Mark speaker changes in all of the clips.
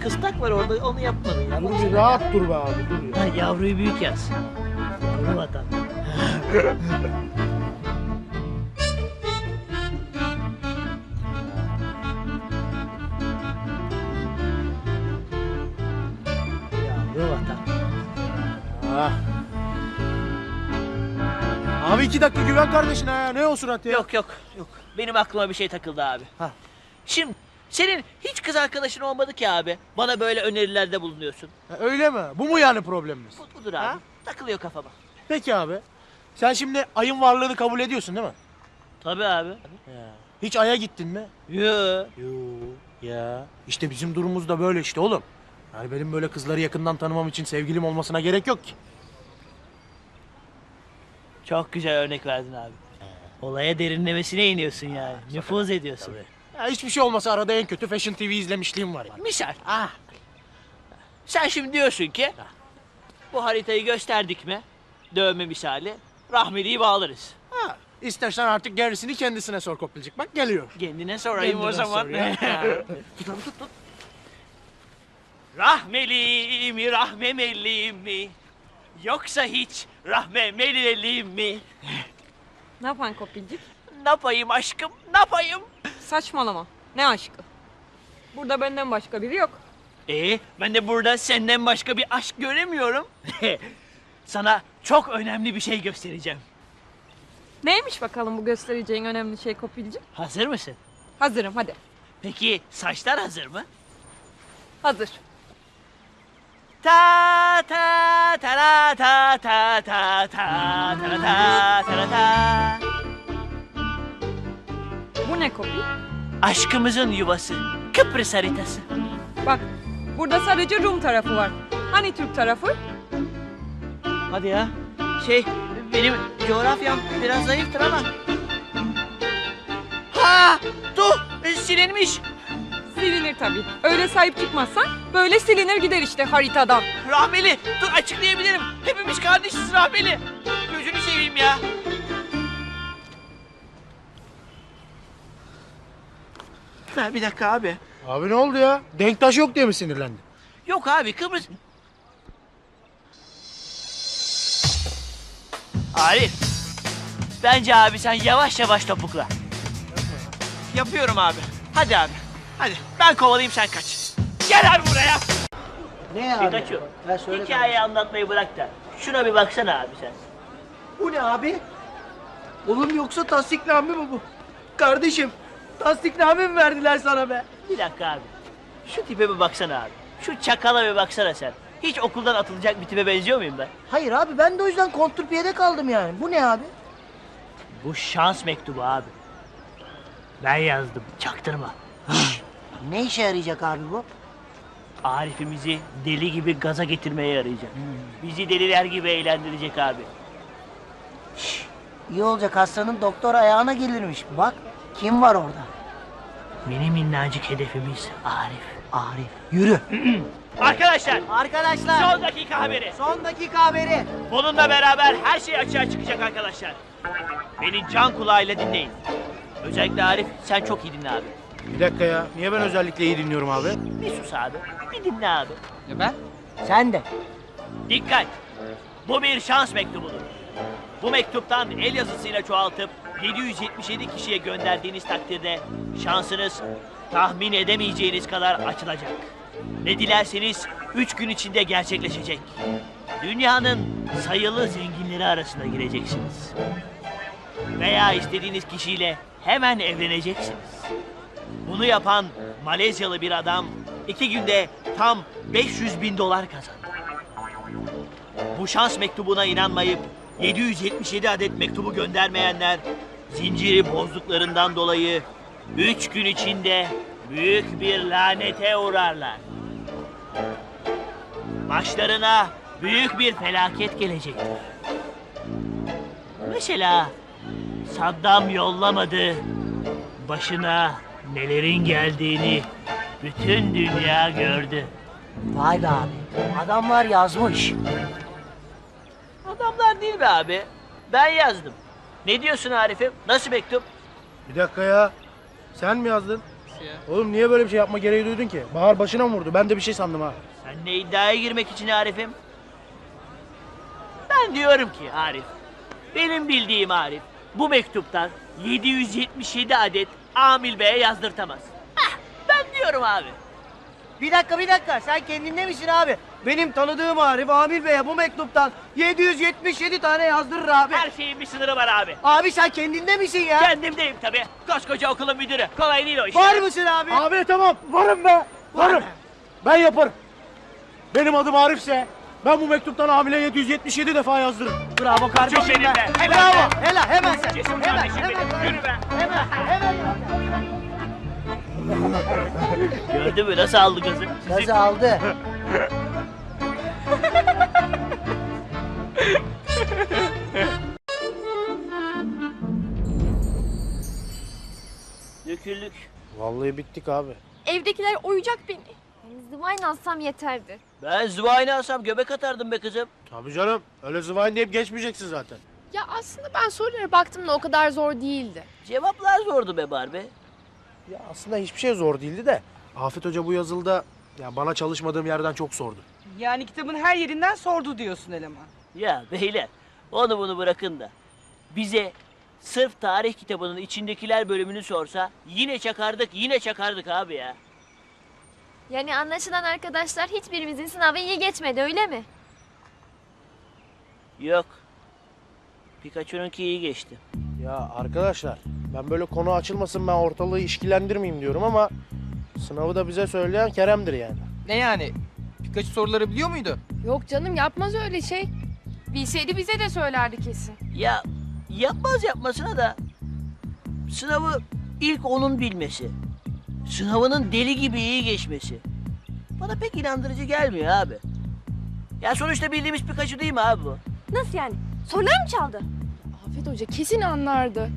Speaker 1: kıstak var orada, onu yapmadın ya.
Speaker 2: Dur bir rahat dur be abi, dur ya.
Speaker 1: Ha, yavruyu büyük yaz. Yavru vatan. Yavru vatan.
Speaker 2: Ah. Abi 2 dakika güven kardeşine ya. Ne o surat ya?
Speaker 1: Yok. Benim aklıma bir şey takıldı abi.
Speaker 2: Ha.
Speaker 1: Şimdi senin hiç kız arkadaşın olmadı ki abi. Bana böyle önerilerde bulunuyorsun.
Speaker 2: Ha, öyle mi? Bu mu yani problemimiz?
Speaker 1: Budur abi.
Speaker 2: Ha?
Speaker 1: Takılıyor kafama.
Speaker 2: Peki abi. Sen şimdi ayın varlığını kabul ediyorsun değil mi?
Speaker 1: Tabii abi.
Speaker 2: Ya. Hiç aya gittin mi?
Speaker 1: Yo.
Speaker 2: Yo. Ya. İşte bizim durumumuz da böyle işte oğlum. Yani benim böyle kızları yakından tanımam için sevgilim olmasına gerek yok ki.
Speaker 1: Çok güzel örnek verdin abi. Olaya derinlemesine iniyorsun yani. Nüfuz ediyorsun.
Speaker 2: Ya hiçbir şey olmasa arada en kötü Fashion TV izlemişliğim var yani.
Speaker 1: Misal. Sen şimdi diyorsun ki bu haritayı gösterdik mi? Dövme misali. Rahmeli'yi bağlarız.
Speaker 2: Ha. İstersen artık gerisini kendisine sor Kopilcik. Bak geliyor.
Speaker 1: Kendine sorayım
Speaker 2: Kendine
Speaker 1: o zaman.
Speaker 2: sor ya.
Speaker 1: Tut. Rahmeli mi rahmemeli mi? Yoksa hiç rahmemeli mi?
Speaker 3: Ne yapan Kopilcik?
Speaker 1: Ne yapayım aşkım? Ne yapayım?
Speaker 3: Saçmalama. Ne aşkı? Burada benden başka biri yok.
Speaker 1: Ben de burada senden başka bir aşk göremiyorum. Sana çok önemli bir şey göstereceğim.
Speaker 3: Neymiş bakalım bu göstereceğin önemli şey Kopilcik?
Speaker 1: Hazır mısın?
Speaker 3: Hazırım hadi.
Speaker 1: Peki saçlar hazır mı?
Speaker 3: Hazır.
Speaker 1: Ta ta ta la ta ta ta ta ta la ta ta la ta.
Speaker 3: Bu ne Kopil?
Speaker 1: Aşkımızın yuvası, Kıbrıs haritası.
Speaker 3: Bak burada sadece Rum tarafı var. Hani Türk tarafı?
Speaker 1: Hadi ya. Benim coğrafyam biraz zayıftır ama. Ha! Silinmiş.
Speaker 3: Silinir tabii. Öyle sahip çıkmazsan böyle silinir gider işte haritadan.
Speaker 1: Rahmeli, dur açıklayabilirim. Hepimiz kardeşiz Rahmeli. Gözünü seveyim ya. Bir dakika abi.
Speaker 2: Abi ne oldu ya? Denktaş yok diye mi sinirlendin?
Speaker 1: Yok abi Kıbrıs... Arif. Bence abi sen yavaş yavaş topukla. Yapıyorum abi. Hadi abi. Hadi ben kovalayayım sen kaç. Gel abi buraya.
Speaker 4: Ne abi?
Speaker 1: Pikachu.
Speaker 4: Ha, söyle
Speaker 1: Hikayeyi anlatmayı bırak da. Şuna bir baksana abi sen.
Speaker 4: Bu ne abi? Oğlum yoksa tasdikname mi bu? Kardeşim tasdikname mi verdiler sana be?
Speaker 1: Bir dakika abi. Şu tipe bir baksana abi. Şu çakala bir baksana sen. Hiç okuldan atılacak bir tipe benziyor muyum ben?
Speaker 4: Hayır abi ben de o yüzden kontrpiyede kaldım yani. Bu ne abi?
Speaker 1: Bu şans mektubu abi. Ben yazdım. Çaktırma.
Speaker 4: Ne işe yarayacak abi bu?
Speaker 1: Arif'imizi deli gibi gaza getirmeye yarayacak. Bizi deliler gibi eğlendirecek abi.
Speaker 4: İyi olacak hastanın doktor ayağına gelirmiş. Bak kim var orada?
Speaker 1: Mini minnacık hedefimiz Arif.
Speaker 4: Arif. Yürü.
Speaker 1: Arkadaşlar,
Speaker 4: Arkadaşlar
Speaker 1: son dakika haberi.
Speaker 4: son dakika haberi.
Speaker 1: Bununla beraber her şey açığa çıkacak arkadaşlar. Beni can kulağıyla dinleyin. Özellikle Arif, sen çok iyi dinle abi.
Speaker 2: Bir dakika ya. Niye ben özellikle iyi dinliyorum abi?
Speaker 1: Bir sus abi, bir dinle abi.
Speaker 4: Sen de.
Speaker 1: Dikkat! Bu bir şans mektubudur. Bu mektuptan el yazısıyla çoğaltıp 777 kişiye gönderdiğiniz takdirde şansınız tahmin edemeyeceğiniz kadar açılacak. Ne dilerseniz 3 gün içinde gerçekleşecek. Dünyanın sayılı zenginleri arasına gireceksiniz. Veya istediğiniz kişiyle hemen evleneceksiniz. Bunu yapan Malezyalı bir adam 2 günde tam 500.000 dolar kazandı. Bu şans mektubuna inanmayıp 777 adet mektubu göndermeyenler zinciri bozduklarından dolayı 3 gün içinde büyük bir lanete uğrarlar. Başlarına büyük bir felaket gelecektir. Mesela Saddam yollamadı, başına nelerin geldiğini bütün dünya gördü.
Speaker 4: Vay be abi. Adamlar yazmış.
Speaker 1: Adamlar değil be abi. Ben yazdım. Ne diyorsun Arif'im? Nasıl mektup?
Speaker 2: Bir dakika ya. Sen mi yazdın?
Speaker 3: ya?
Speaker 2: Oğlum niye böyle bir şey yapma gereği duydun ki? Bahar başına mı vurdu? Ben de bir şey sandım ha.
Speaker 1: Sen ne iddiaya girmek için Arif'im? Ben diyorum ki Arif, benim bildiğim Arif, bu mektuptan 777 adet Amil Bey'e yazdırtamaz. Hah, ben diyorum abi.
Speaker 4: Bir dakika sen kendinde misin abi? Benim tanıdığım Arif Amil Bey'e bu mektuptan 777 tane yazdırır abi.
Speaker 1: Her şeyin bir sınırı var abi.
Speaker 4: Abi sen kendinde misin ya?
Speaker 1: Kendimdeyim tabii. Koskoca okulun müdürü. Kolay değil o iş.
Speaker 4: Var mısın abi?
Speaker 2: Abi tamam varım be. Varım. Ben yaparım. Benim adım Arif'se ben bu mektuptan hamile 777 defa yazdırırım.
Speaker 4: Bravo kardeşim
Speaker 1: Çok benim
Speaker 4: be.
Speaker 1: be. Helal
Speaker 4: Bravo.
Speaker 1: be.
Speaker 4: Helal hemen sen.
Speaker 1: Cesur
Speaker 4: Hemen
Speaker 1: kardeşim
Speaker 4: hemen.
Speaker 1: benim. Yürü be.
Speaker 4: Hemen.
Speaker 1: Gördün mü nasıl aldı kızı?
Speaker 4: Nasıl aldı?
Speaker 1: Döküldük.
Speaker 2: Vallahi bittik abi.
Speaker 5: Evdekiler oyacak beni. Yani zıvayla alsam yeterdi.
Speaker 1: Ben zıvayını alsam göbek atardım be kızım.
Speaker 2: Tabii canım. Öyle zıvayın deyip geçmeyeceksin zaten.
Speaker 6: Ya aslında ben sorulara baktım da o kadar zor değildi.
Speaker 1: Cevaplar zordu be Barbie.
Speaker 2: Ya aslında hiçbir şey zor değildi de. Afet Hoca bu yazılıda ya bana çalışmadığım yerden çok sordu.
Speaker 3: Yani kitabın her yerinden sordu diyorsun eleman.
Speaker 1: Ya beyler onu bunu bırakın da bize sırf tarih kitabının içindekiler bölümünü sorsa yine çakardık abi ya.
Speaker 5: Yani anlaşılan arkadaşlar hiçbirimizin sınavı iyi geçmedi öyle mi?
Speaker 1: Yok. Pikachu'nunki iyi geçti.
Speaker 2: Ya arkadaşlar ben böyle konu açılmasın ben ortalığı işkilendirmeyeyim diyorum ama sınavı da bize söyleyen Kerem'dir yani.
Speaker 7: Ne yani? Pikachu soruları biliyor muydu?
Speaker 6: Yok canım yapmaz öyle şey. Bilseydi bize de söylerdi kesin.
Speaker 1: Ya yapmasına da sınavı ilk onun bilmesi. Sınavının deli gibi iyi geçmesi. Bana pek inandırıcı gelmiyor abi. Ya sonuçta bildiğimiz Pikachu değil mi abi bu?
Speaker 5: Nasıl yani? Sorular mı çaldı?
Speaker 6: Afet Hoca kesin anlardı.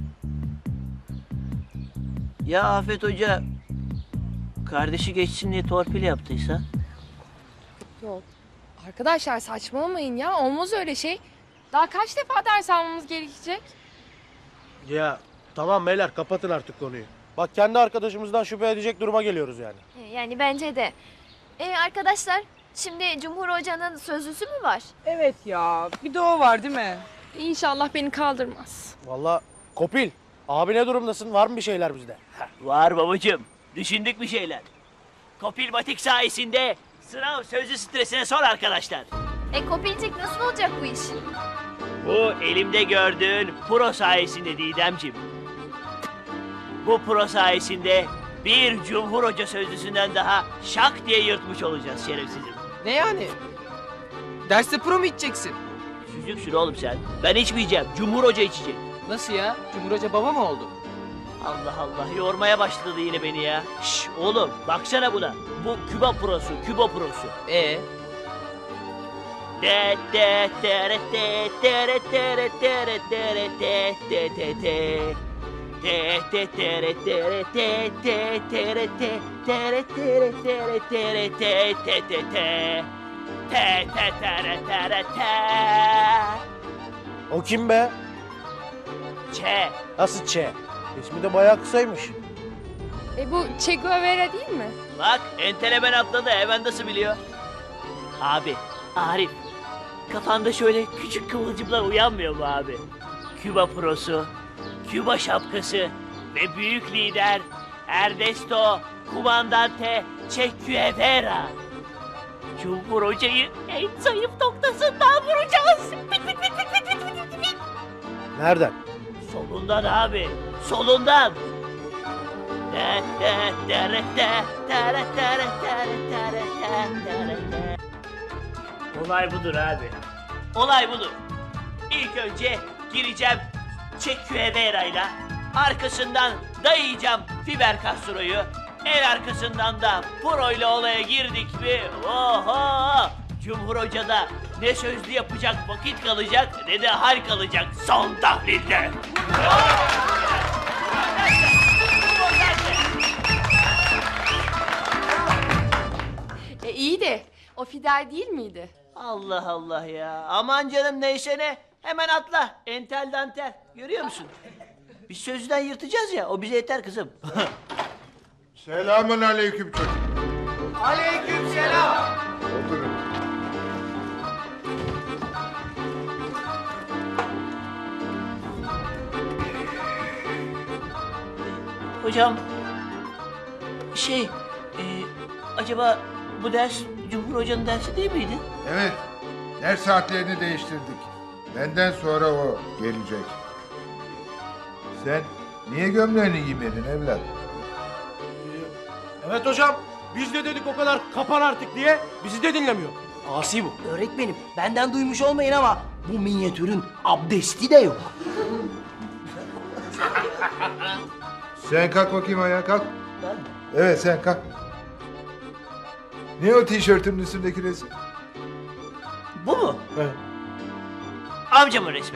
Speaker 1: Ya Afet Hoca kardeşi geçsin diye torpil yaptıysa?
Speaker 6: Yok. Arkadaşlar saçmalamayın ya. Olmaz öyle şey. Daha kaç defa ders almamız gerekecek?
Speaker 2: Ya tamam beyler kapatın artık konuyu. Bak kendi arkadaşımızdan şüphe edecek duruma geliyoruz yani.
Speaker 5: Yani bence de. Arkadaşlar şimdi Cumhur Hoca'nın sözlüsü mü var?
Speaker 3: Evet ya, bir de o var değil mi?
Speaker 6: İnşallah beni kaldırmaz.
Speaker 2: Vallahi Kopil abi ne durumdasın var mı bir şeyler bizde?
Speaker 1: Var babacığım. Düşündük bir şeyler. Kopilmatik sayesinde sınav sözlü stresine sor arkadaşlar.
Speaker 5: Kopilcik nasıl olacak bu iş?
Speaker 1: Bu elimde gördüğün pro sayesinde Didemciğim. Bu pro sayesinde bir Cumhur Hoca sözlüsünden daha şak diye yırtmış olacağız şerefsizim.
Speaker 7: Ne yani? Derste pro mu içeceksin?
Speaker 1: Süzük sür oğlum sen. Ben içmeyeceğim. Cumhur Hoca içecek.
Speaker 7: Nasıl ya? Cumhur Hoca baba mı oldu?
Speaker 1: Allah Allah yormaya başladı yine beni ya. Şş oğlum baksana buna. Bu Küba prosu, Küba prosu. De de tere te tere tere tere tere te te te te. Te te tere tere te te tere te tere tere tere tere te te te te. Te te tere tere te.
Speaker 2: O kim be?
Speaker 1: Çe.
Speaker 2: Nasıl Ç? İsmi de bayağı kısaymış.
Speaker 6: Bu Che Guevara değil mi?
Speaker 1: Bak entelemen atladı hemen nasıl biliyor? Abi, Arif. Kafanda şöyle küçük kıvılcımlar uyanmıyor mu abi? Küba prosu, Küba şapkası ve büyük lider Ernesto Comandante Che Guevara. Cumhur Hoca'yı en zayıf noktasından vuracağız. Bit bit bit bit bit bit bit bit.
Speaker 2: Nereden?
Speaker 1: Solundan abi, solundan. Olay budur abi. Olay budur. İlk önce gireceğim Che Guevara'yla. Arkasından dayayacağım Fidel Castro'yu. El arkasından da Pro'yla olaya girdik mi? Oho! Cumhur Hoca'da ne sözlü yapacak vakit kalacak ne de hal kalacak son tahlilde.
Speaker 6: İyi de o Fidel değil miydi?
Speaker 1: Allah Allah ya. Aman canım neyse ne. Hemen atla. Entel dantel. Görüyor musun? Biz sözlüden yırtacağız ya. O bize yeter kızım.
Speaker 8: Selamun aleyküm çocuk.
Speaker 4: Aleykümselam.
Speaker 8: Oturun.
Speaker 1: Hocam, acaba bu ders Cumhur Hoca'nın dersi değil miydi?
Speaker 8: Evet, ders saatlerini değiştirdik. Benden sonra o gelecek. Sen niye gömleğini giymedin evlat?
Speaker 2: Evet hocam. Biz de dedik o kadar kapan artık diye. Bizi de dinlemiyor. Asi bu.
Speaker 4: Öğretmenim benden duymuş olmayın ama bu minyatürün abdesti de yok.
Speaker 8: Sen kalk bakayım ayağa kalk. Evet sen kalk. Ne o tişörtünün üstündeki resim?
Speaker 1: Bu mu?
Speaker 2: Evet.
Speaker 1: Amcamın resmi.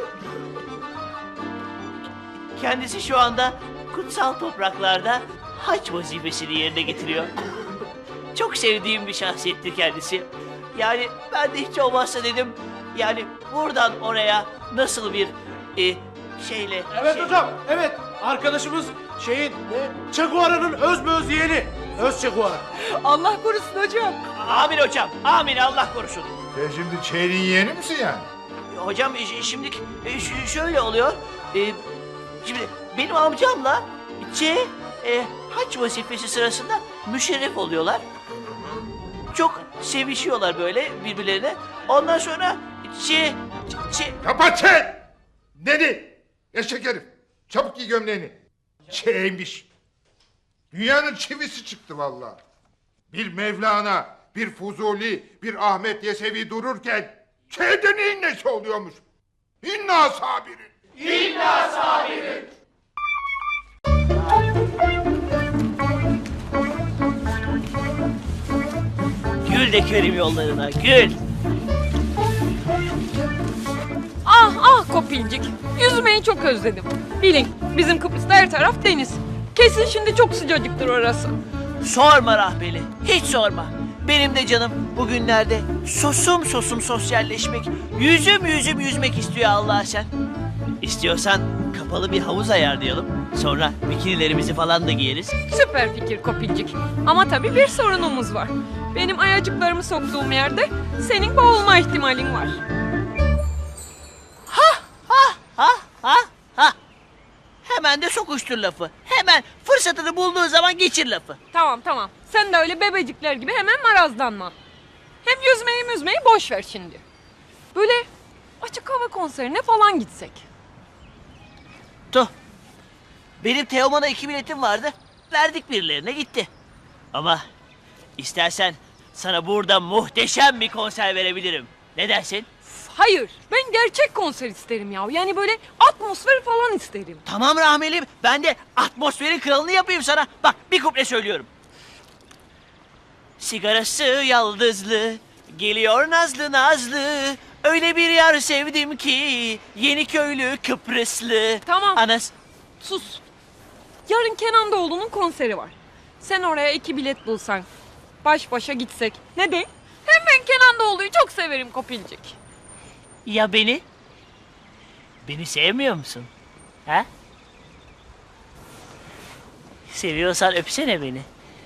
Speaker 1: Kendisi şu anda kutsal topraklarda hac vazifesini yerine getiriyor. Çok sevdiğim bir şahsiyettir kendisi. Yani ben de hiç olmazsa dedim, yani buradan oraya nasıl bir şeyle...
Speaker 2: Evet hocam. Evet. Arkadaşımız Che Guevara'nın öz yeğeni. Öz Che Guevara.
Speaker 3: Allah korusun hocam.
Speaker 1: Amin hocam, amin, Allah korusun.
Speaker 8: Sen şimdi çeyreğin yeğeni misin yani?
Speaker 1: Hocam şimdi şöyle oluyor. Şimdi benim amcamla hac vazifesi sırasında müşerref oluyorlar. Çok sevişiyorlar böyle birbirlerine. Ondan sonra
Speaker 8: Kapat sen! Dedi! Eşek herif! Çabuk giy gömleğini. Çeymiş. Dünyanın çivisi çıktı vallahi. Bir Mevlana, bir Fuzuli, bir Ahmet Yesevi dururken çeydenin nesi oluyormuş? İnna sabirin.
Speaker 1: gül de kerim yollarına, gül.
Speaker 3: Ah ah Kopilcik. Yüzmeyi çok özledim. Bilin bizim Kıbrıs'ta her taraf deniz. Kesin şimdi çok sıcacıktır orası.
Speaker 1: Sorma Rahmeli, hiç sorma. Benim de canım bugünlerde sosum sosyalleşmek, yüzüm yüzmek istiyor Allah'a sen. İstiyorsan kapalı bir havuz ayarlayalım. Sonra bikinilerimizi falan da giyeriz.
Speaker 3: Süper fikir Kopilcik. Ama tabii bir sorunumuz var. Benim ayacıklarımı soktuğum yerde senin boğulma ihtimalin var.
Speaker 1: Ha. Hemen de sokuştur lafı. Hemen fırsatını bulduğu zaman geçir lafı.
Speaker 3: Tamam. Sen de öyle bebecikler gibi hemen marazlanma. Hem yüzmeyi boş ver şimdi. Böyle açık hava konserine falan gitsek.
Speaker 1: Tuh. Benim Teoman'a 2 biletim vardı. Verdik birilerine gitti. Ama istersen sana burada muhteşem bir konser verebilirim. Ne dersin?
Speaker 3: Hayır, ben gerçek konser isterim ya. Yani böyle atmosfer falan isterim.
Speaker 1: Tamam Rahmelim. Ben de atmosferin kralını yapayım sana. Bak bir kuple söylüyorum. Sigarası yaldızlı, geliyor nazlı nazlı. Öyle bir yar sevdim ki, Yeniköylü Kıbrıslı.
Speaker 3: Tamam.
Speaker 1: Anas.
Speaker 3: Sus. Yarın Kenan Doğulu'nun konseri var. Sen oraya 2 bilet bulsan, baş başa gitsek. Ne de? Hem ben Kenan Doğulu'yu çok severim Kopilcik.
Speaker 1: Ya beni? Beni sevmiyor musun? Ha? Seviyorsan öpsene beni.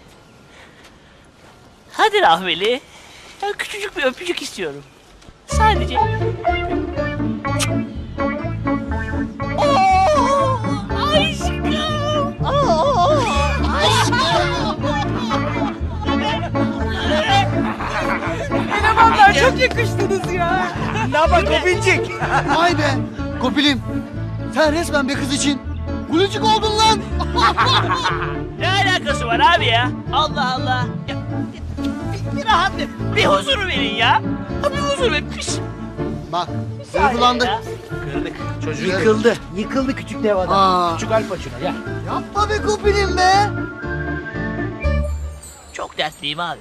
Speaker 1: Hadi Rahmeli. Ya küçücük bir öpücük istiyorum. Sadece. Oo, aşkım. Oo, aşkım.
Speaker 3: Elemanlar çok yakıştınız ya.
Speaker 4: Ne bak Kopilcik.
Speaker 9: Vay be! Kopilim, sen resmen bir kız için gülücük oldun lan!
Speaker 1: Ne alakası var abi ya? Allah Allah. Bir rahat bir huzur verin ya. Ha, bir huzur verin.
Speaker 9: Bak, duygulandık.
Speaker 1: Ya.
Speaker 2: Kırdık. Çocuğu
Speaker 4: Yıkıldı küçük dev adam.
Speaker 9: Aa,
Speaker 2: Küçük Alp açına gel.
Speaker 9: yapma be Kopilim be!
Speaker 1: Çok dertliyim abi.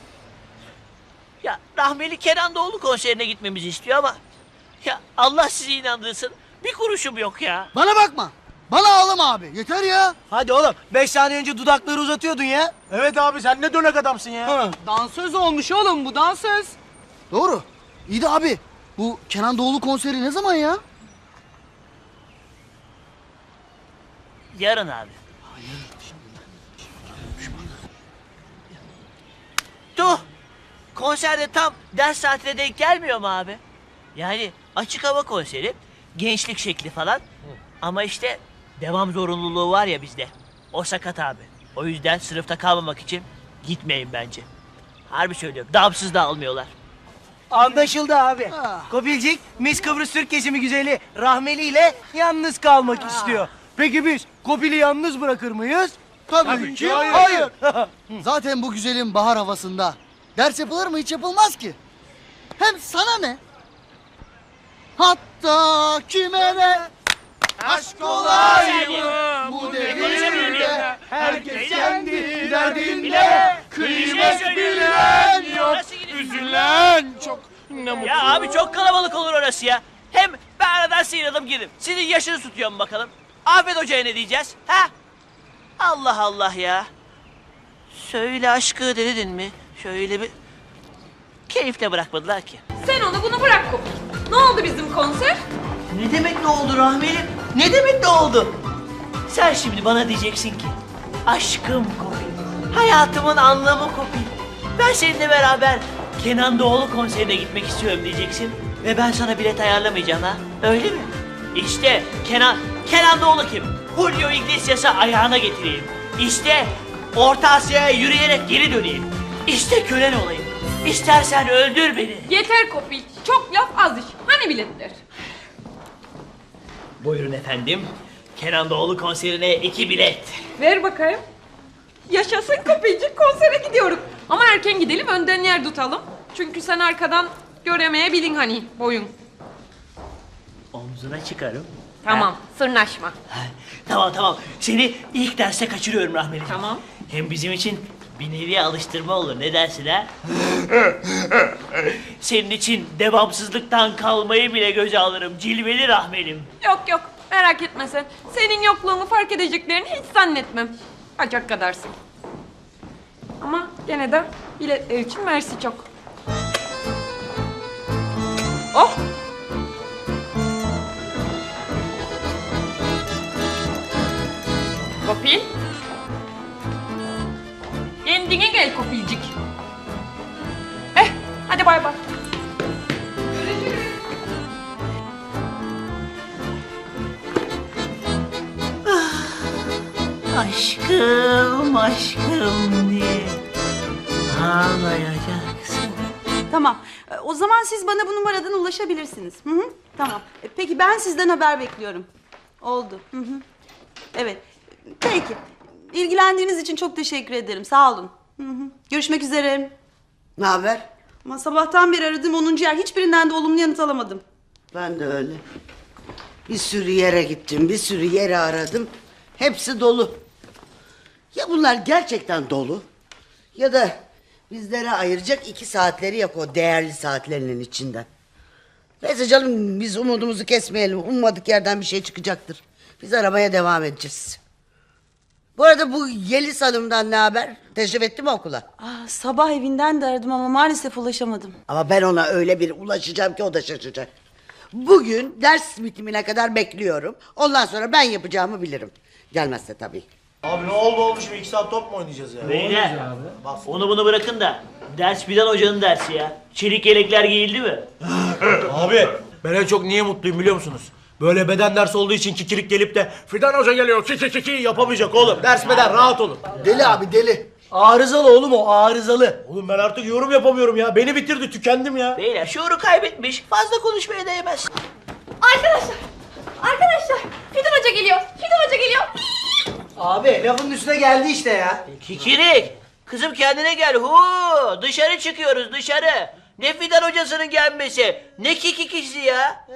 Speaker 1: Ya Rahmeli Kenan Doğulu konserine gitmemizi istiyor ama... Ya Allah sizi inandırsın. Bir kuruşum yok ya.
Speaker 9: Bana bakma! Bana ağlama abi, yeter ya!
Speaker 4: Hadi oğlum 5 saniye önce dudakları uzatıyordun ya.
Speaker 2: Evet abi sen ne dönek adamsın ya.
Speaker 3: Dansöz olmuş oğlum bu dansöz.
Speaker 9: Doğru. İyi de abi, bu Kenan Doğulu konseri ne zaman ya?
Speaker 1: Yarın abi. konserde tam ders saatine denk gelmiyor mu abi? Yani açık hava konseri, gençlik şekli falan. Ama işte devam zorunluluğu var ya bizde. O sakat abi. O yüzden sınıfta kalmamak için gitmeyin bence. Harbi söylüyorum. Damsız da almıyorlar.
Speaker 4: Anlaşıldı abi. Kopilcik Miss Kıbrıs Türk kesimi güzeli Rahmeli ile yalnız kalmak istiyor. Peki biz Kopil'i yalnız bırakır mıyız?
Speaker 9: Tabii ki hayır. Zaten bu güzelin bahar havasında ders yapılır mı? Hiç yapılmaz ki. Hem sana ne? Hatta kime ne? Aşk olay mı bu devirde? Herkes kendi derdinde. Kıymet bilen yok.
Speaker 2: Üzülen çok. Ne mutlu.
Speaker 1: Ya abi çok kalabalık olur orası ya. Hem ben aradan sıyrıldım girdim. Sizin yaşınız tutuyor mu bakalım? Afet Hoca'ya ne diyeceğiz? Ha? Allah Allah ya. Söyle aşkı dedin mi? Şöyle bir... Keyifle bırakmadılar ki.
Speaker 3: Sen onu bunu bırak Kopil. Ne oldu bizim konser?
Speaker 1: Ne demek ne oldu Rahmelim? Ne demek ne oldu? Sen şimdi bana diyeceksin ki... Aşkım Kopil. Hayatımın anlamı Kopil. Ben seninle beraber Kenan Doğulu konserine gitmek istiyorum diyeceksin. Ve ben sana bilet ayarlamayacağım ha. Öyle mi? İşte Kenan Doğulu kim? Julio Iglesias'ı ayağına getireyim. İşte Orta Asya'ya yürüyerek geri döneyim. İşte kölen olayım. İstersen öldür beni.
Speaker 3: Yeter Kopil. Çok laf az iş. Hani biletler?
Speaker 1: Buyurun efendim. Kenan Doğulu konserine 2 bilet.
Speaker 3: Ver bakayım. Yaşasın Kopilcik, konsere gidiyoruz. Ama erken gidelim, önden yer tutalım. Çünkü sen arkadan göremeyebilin hani boyun.
Speaker 1: Omzuna çıkarım.
Speaker 3: Tamam, sırnaşma.
Speaker 1: Ha, tamam. Seni ilk derste kaçırıyorum Rahmelim.
Speaker 3: Tamam.
Speaker 1: Hem bizim için bir nevi alıştırma olur. Ne dersin ha? Senin için devamsızlıktan kalmayı bile göze alırım. Cilveli Rahmelim.
Speaker 3: Yok, merak etme sen. Senin yokluğunu fark edeceklerini hiç zannetmem. Acak kadarsın. Ama gene de biletler için mersi çok. Oh! Kopil. Kendine gel Kopilcik. Hadi bay bay.
Speaker 1: Aşkım diye ağlayacaksın.
Speaker 10: Tamam. O zaman siz bana bu numaradan ulaşabilirsiniz. Hı hı. Tamam. Peki ben sizden haber bekliyorum. Oldu. Hı hı. Evet. Peki. İlgilendiğiniz için çok teşekkür ederim. Sağ olun. Hı hı. Görüşmek üzere.
Speaker 4: Ne haber?
Speaker 10: Ama sabahtan beri aradım 10. yer. Hiçbirinden de olumlu yanıt alamadım.
Speaker 11: Ben de öyle. Bir sürü yere gittim, bir sürü yere aradım. Hepsi dolu. Ya bunlar gerçekten dolu ya da bizlere ayıracak 2 saatleri yok o değerli saatlerinin içinden. Neyse canım biz umudumuzu kesmeyelim. Ummadık yerden bir şey çıkacaktır. Biz aramaya devam edeceğiz. Bu arada bu Yeliz Hanım'dan ne haber? Teşrif etti mi okula?
Speaker 10: Sabah evinden de aradım ama maalesef ulaşamadım.
Speaker 11: Ama ben ona öyle bir ulaşacağım ki o da şaşacak. Bugün ders bitimine kadar bekliyorum. Ondan sonra ben yapacağımı bilirim. Gelmezse tabii.
Speaker 2: Abi ne olmuş 2 saat top mu oynayacağız ya?
Speaker 1: Beyler, onu bunu bırakın da ders Fidan Hoca'nın dersi ya. Çelik yelekler giyildi mi?
Speaker 2: Abi ben en çok niye mutluyum biliyor musunuz? Böyle beden dersi olduğu için kikirik gelip de Fidan Hoca geliyor ki yapamayacak oğlum. Ders beden rahat olun.
Speaker 9: Deli abi deli.
Speaker 4: Arızalı oğlum o arızalı.
Speaker 2: Oğlum ben artık yorum yapamıyorum ya. Beni bitirdi tükendim ya.
Speaker 1: Beyler şuuru kaybetmiş. Fazla konuşmaya değmez.
Speaker 5: Arkadaşlar Fidan Hoca geliyor.
Speaker 4: Abi lafın üstüne geldi işte ya.
Speaker 1: Kikirik. Kızım kendine gel. Dışarı çıkıyoruz dışarı. Ne Fidan Hocasının gelmesi. Ne kikikisi ya.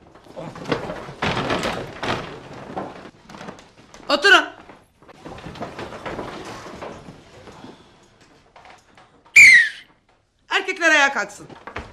Speaker 10: Oturun. Erkekler ayağa kalksın.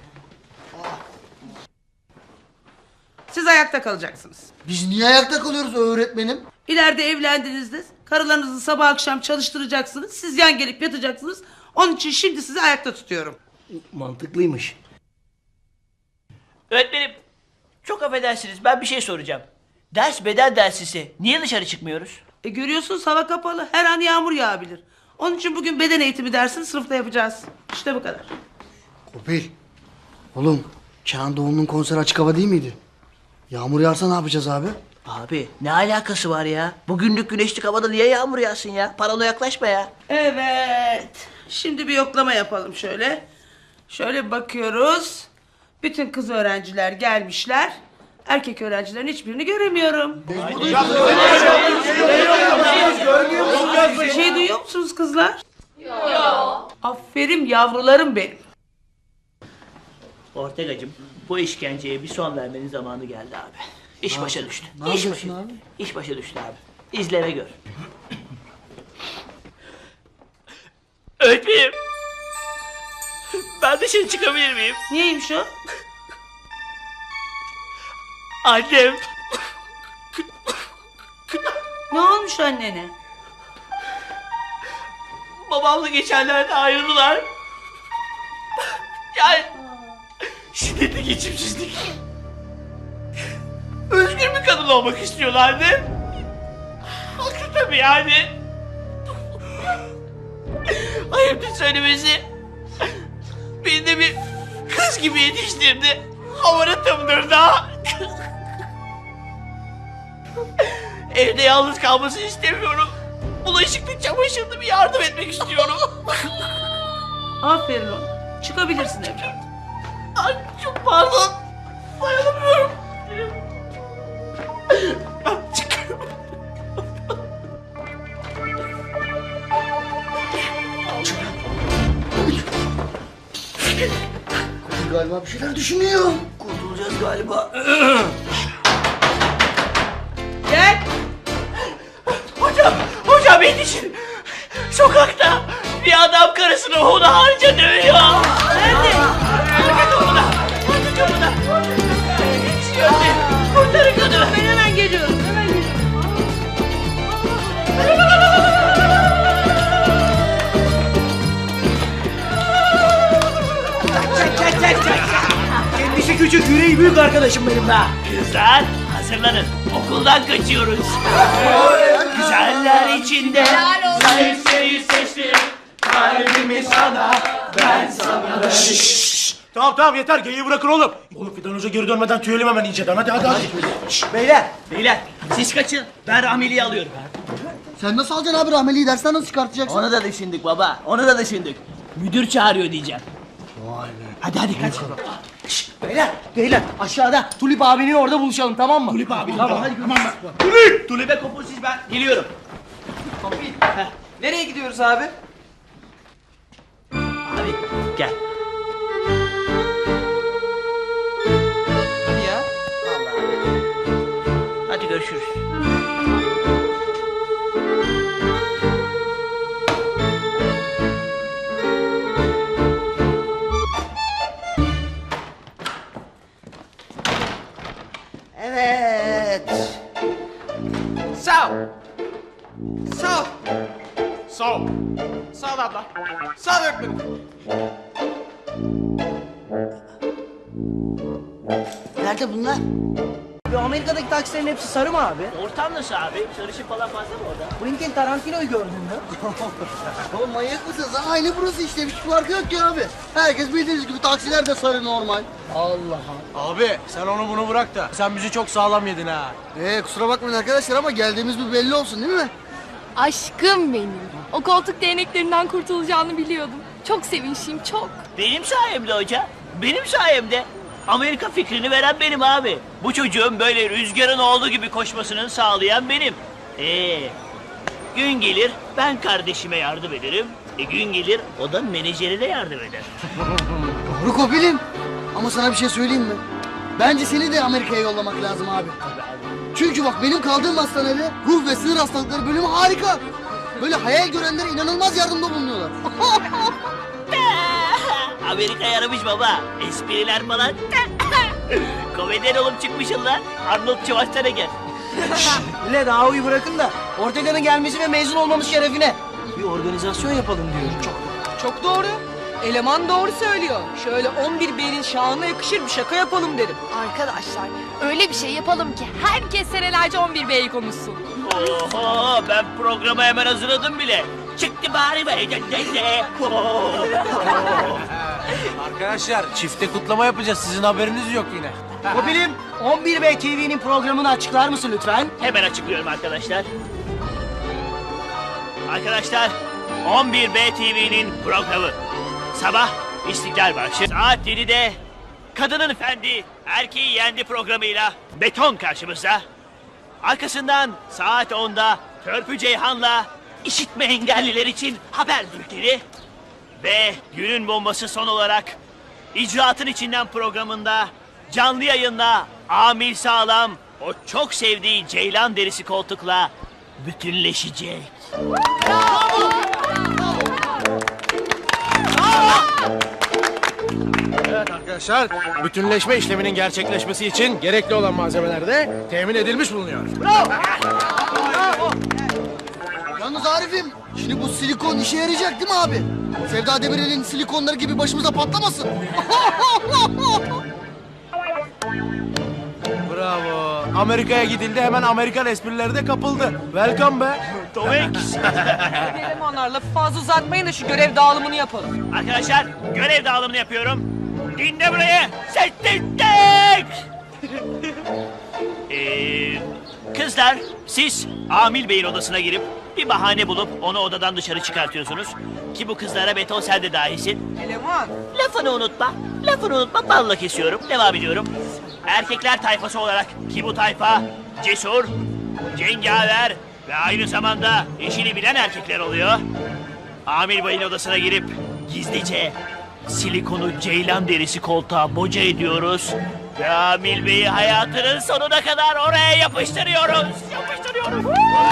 Speaker 10: Siz ayakta kalacaksınız.
Speaker 9: Biz niye ayakta kalıyoruz öğretmenim?
Speaker 10: İleride evlendiğinizde karılarınızı sabah akşam çalıştıracaksınız. Siz yan gelip yatacaksınız. Onun için şimdi sizi ayakta tutuyorum.
Speaker 4: Mantıklıymış.
Speaker 1: Öğretmenim çok affedersiniz ben bir şey soracağım. Ders beden dersisi. Niye dışarı çıkmıyoruz?
Speaker 10: Görüyorsunuz hava kapalı. Her an yağmur yağabilir. Onun için bugün beden eğitimi dersini sınıfta yapacağız. İşte bu kadar.
Speaker 9: Kopil. Oğlum Kenan Doğulu'nun konseri açık hava değil miydi? Yağmur yağarsa ne yapacağız abi?
Speaker 1: Abi ne alakası var ya? Bugünlük güneşlik havada niye yağmur yağsın ya? Paranoya yaklaşma ya.
Speaker 11: Evet. Şimdi bir yoklama yapalım şöyle. Şöyle bakıyoruz. Bütün kız öğrenciler gelmişler. Erkek öğrencilerin hiçbirini göremiyorum. Bir şey duyuyor musunuz kızlar? Yok. Aferin yavrularım benim.
Speaker 1: Ortegacığım bu işkenceye bir son vermenin zamanı geldi abi. İş başa düştü.
Speaker 9: Ne yapıyorsun abi?
Speaker 1: İş başa düştü abi. İzle ve gör. Öğretmenim. Ben dışarı çıkabilir miyim?
Speaker 11: Niyeymiş o?
Speaker 1: Annem.
Speaker 11: Ne olmuş annene?
Speaker 1: Babamla geçenlerde ayrıldılar. Yani şiddetli geçimsizlik. Özgür bir kadın olmak istiyorlardı. Haklı tabii yani. Ayıptır söylemesi. Beni de bir kız gibi yetiştirdi. Hamaratımdır da. Evde yalnız kalmasını istemiyorum. Bulaşıklı, çamaşırlı bir yardım etmek istiyorum.
Speaker 11: Aferin ona. Çıkabilirsin evden.
Speaker 1: Ay çok pardon. Dayanamıyorum. Çıkıyorum.
Speaker 9: Kopil galiba bir şeyler düşünüyor.
Speaker 1: Kurtulacağız galiba.
Speaker 11: Gel.
Speaker 1: Hocam yetişin. Sokakta bir adam karısını hunharca dövüyor.
Speaker 11: Nerede?
Speaker 1: Arka kapıda. Arka kapıda. Yetişiyor beni. Kurtarın kadını.
Speaker 11: Ben hemen geliyorum. Hemen geliyorum.
Speaker 4: Çak. Kendisi küçük, yüreği büyük arkadaşım benim be.
Speaker 1: Kızlar hazırlanın. Okuldan kaçıyoruz. Güzeller içinde zayıflayı seçtim. Kalbimi sana, ben sana.
Speaker 2: Tamam yeter geyiği bırakın oğlum. Oğlum Fidan Hoca geri dönmeden tüyelim hemen inceden hadi.
Speaker 1: Beyler siz kaçın. Ben Rahmeli'yi alıyorum.
Speaker 9: Sen nasıl alacaksın abi rahmeliyi dersten nasıl çıkartacaksın?
Speaker 1: Onu da düşündük baba. Onu da düşündük. Müdür çağırıyor diyeceğim.
Speaker 9: Vay be.
Speaker 1: Hadi kaç.
Speaker 4: Beyler aşağıda Tulip abinin orada buluşalım tamam mı?
Speaker 1: Tulip abi. Tamam hadi Tulip'e kopun siz ben geliyorum.
Speaker 7: Nereye gidiyoruz abi?
Speaker 1: Abi gel.
Speaker 7: Hadi ya.
Speaker 1: Vallahi. Hadi görüşürüz.
Speaker 11: Evet.
Speaker 7: Sağ ol. Sağ ol. Sağ ol. Sağ ol abla. Sağ ol öğretmenim.
Speaker 11: Nerede bunlar?
Speaker 4: Bu Amerika'daki taksilerin hepsi sarı mı abi?
Speaker 1: Ortam nasıl abi? Sarışın falan fazla mı orada?
Speaker 4: Quentin Tarantino'yu gördün mü?
Speaker 9: Oğlum manyak mısınız? Aynı burası işte. Hiç farkı yok ki abi. Herkes bildiğiniz gibi taksiler de sarı normal.
Speaker 2: Abi sen onu bunu bırak da sen bizi çok sağlam yedin ha.
Speaker 9: Kusura bakmayın arkadaşlar ama geldiğimiz bir belli olsun değil mi?
Speaker 6: Aşkım benim. O koltuk değneklerinden kurtulacağını biliyordum. Çok sevinçliyim, çok.
Speaker 1: Benim sayemde hoca. Benim sayemde. Amerika fikrini veren benim abi. Bu çocuğun böyle rüzgarın olduğu gibi koşmasını sağlayan benim. Gün gelir ben kardeşime yardım ederim. Gün gelir o da menajerine yardım eder.
Speaker 9: Doğru Kopil'im. Ama sana bir şey söyleyeyim mi? Bence seni de Amerika'ya yollamak lazım abi. Çünkü bak benim kaldığım hastanede ruh ve sinir hastalıkları bölümü harika. Böyle hayal görenlere inanılmaz yardımda bulunuyorlar.
Speaker 1: Amerika yaramış baba. Espriler falan. Komedyen olup çıkmışsın lan. Arnold Schwarzenegger.
Speaker 4: Öyle daha uyu bırakın da Ortega'nın gelmesi ve mezun olmamız şerefine bir organizasyon yapalım diyorum.
Speaker 7: Çok doğru. Eleman doğru söylüyor. Şöyle 11 B'nin şahına yakışır bir şaka yapalım dedim.
Speaker 6: Arkadaşlar öyle bir şey yapalım ki herkes senelerce 11 B'yi konuşsun.
Speaker 1: Oho ben programı hemen hazırladım bile. çıktı bari be.
Speaker 2: Arkadaşlar çifte kutlama yapacağız. Sizin haberiniz yok yine.
Speaker 4: Kopilim 11B TV'nin programını açıklar mısın lütfen?
Speaker 1: Hemen açıklıyorum arkadaşlar. Arkadaşlar, 11B TV'nin programı. Sabah İstiklal Marşı. Saat 7'de Kadının Efendi, Erkeği Yendi programıyla Beton karşımızda. Arkasından saat 10'da Törpü Ceyhan'la işitme engelliler için haber bülteni. Ve günün bombası son olarak İcraatın İçinden programında canlı yayınla Amil Sağlam o çok sevdiği ceylan derisi koltukla bütünleşecek.
Speaker 2: Evet arkadaşlar, bütünleşme işleminin gerçekleşmesi için gerekli olan malzemeler de temin edilmiş bulunuyor.
Speaker 9: Yalnız Arif'im, şimdi bu silikon işe yarayacak değil mi abi? Sevda Demirel'in silikonları gibi başımıza patlamasın.
Speaker 2: Bravo. Amerika'ya gidildi, hemen Amerikan esprileri de kapıldı. Welcome be.
Speaker 3: Elemanlar lafı fazla uzatmayın da şu görev dağılımını yapalım.
Speaker 1: Arkadaşlar görev dağılımını yapıyorum. Dinle burayı. Sessizlik. Kızlar siz Amil Bey'in odasına girip bir bahane bulup onu odadan dışarı çıkartıyorsunuz. Ki bu kızlara Beton sen de dahisin.
Speaker 3: Eleman.
Speaker 1: Lafını unutma. Lafını unutma. Balla kesiyorum. Devam ediyorum. Erkekler tayfası olarak ki bu tayfa cesur, cengaver ve aynı zamanda işini bilen erkekler oluyor. Amil Bey'in odasına girip gizlice silikonu ceylan derisi koltuğa boca ediyoruz. Ve Amil Bey'i hayatının sonuna kadar oraya yapıştırıyoruz. Yapıştırıyoruz.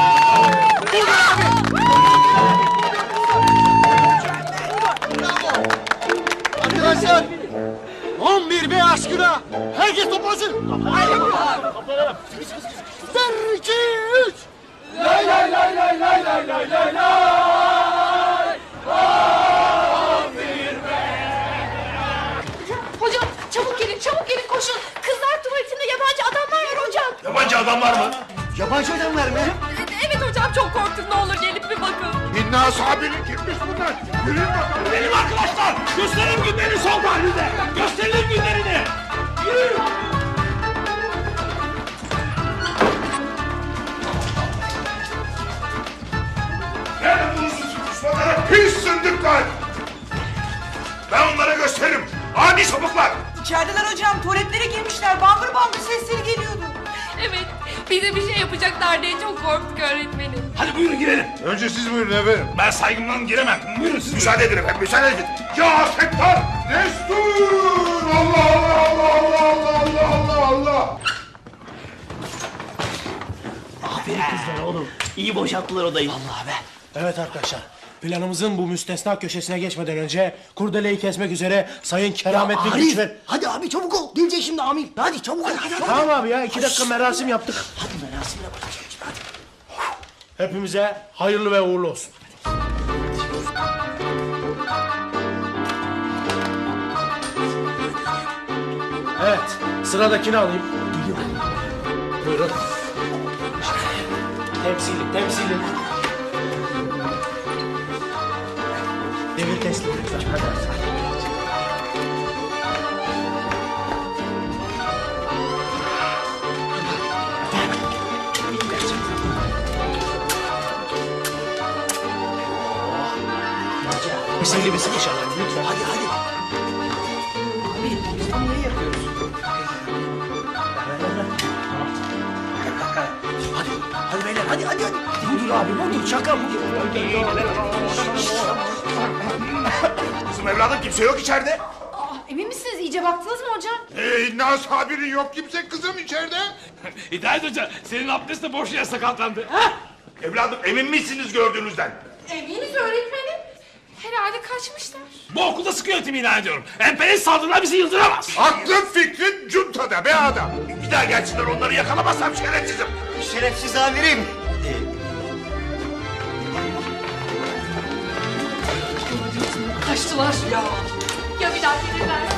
Speaker 9: Arkadaşlar, 11B aşkına herkes toplansın.
Speaker 1: Toplanalım.
Speaker 9: 1, 2, 3.
Speaker 7: Lay lay lay lay lay lay lay lay lay.
Speaker 5: Hocam çabuk gelin koşun. Kızlar tuvaletinde yabancı adamlar var hocam.
Speaker 8: Yabancı adamlar mı?
Speaker 4: Yabancı adamlar mı?
Speaker 3: Evet hocam çok korktum ne olur gelip bir bakın.
Speaker 8: İnna sabirin kimmiş bunlar? Yürüyün bakalım.
Speaker 7: Benim arkadaşlar gösterin günlerini sol halinde. Gösterin günlerini. Yürü.
Speaker 8: Nerede bulursun düşmanları? Pis zındıklar! Ben onlara gösteririm. Adi sapıklar!
Speaker 10: İçerideler hocam. Tuvaletlere girmişler. Bangır bangır sesleri geliyordu.
Speaker 6: Evet, bize bir şey yapacaklar diye çok korktuk öğretmenim.
Speaker 7: Hadi buyurun girelim.
Speaker 8: Önce siz buyurun efendim.
Speaker 7: Ben saygımdan giremem. Buyurun siz.
Speaker 8: Müsaade edin efendim, müsaade edin. Ya Settar! Destur! Allah Allah Allah Allah Allah Allah Allah!
Speaker 1: Aferin kızlar oğlum. İyi boşalttılar odayı. Vallahi be.
Speaker 2: Evet arkadaşlar, planımızın bu müstesna köşesine geçmeden önce kurdeleyi kesmek üzere Sayın Kerametli Güçver...
Speaker 9: Hadi abi çabuk ol. Gelecek şimdi Amil. Hadi çabuk ol.
Speaker 2: Tamam abi ya, 2 dakika merasim yaptık.
Speaker 9: Hadi merasimle başlayalım. Hadi.
Speaker 2: Hepimize hayırlı ve uğurlu olsun. Evet, sıradakini alayım. Buyurun. Temsili. Devir teslim lütfen. Hadi. Misali misin inşallah lütfen.
Speaker 4: Hadi. Abi biz bunu niye yapıyoruz? Hadi beyler hadi. Budur abi budur şaka budur.
Speaker 8: Kızım evladım kimse yok içeride.
Speaker 5: Emin misiniz? İyice baktınız mı hocam?
Speaker 8: İnna sabirin yok kimse kızım içeride.
Speaker 7: Hidayet Hoca senin abdest de boş yere sakatlandı.
Speaker 8: Evladım emin misiniz gördüğünüzden?
Speaker 6: Eminiz öğretmenim. Herhalde kaçmışlar.
Speaker 7: Bu okulda sıkı yönetimi ilan ediyorum. Emperyalist saldırılar bizi yıldıramaz.
Speaker 8: Aklın fikrin cuntada be adam. Bir daha gelsinler onları yakalamazsam şerefsizim.
Speaker 4: Şerefsiz amirim.
Speaker 6: Kaçtılar. Ya bir daha gelirler.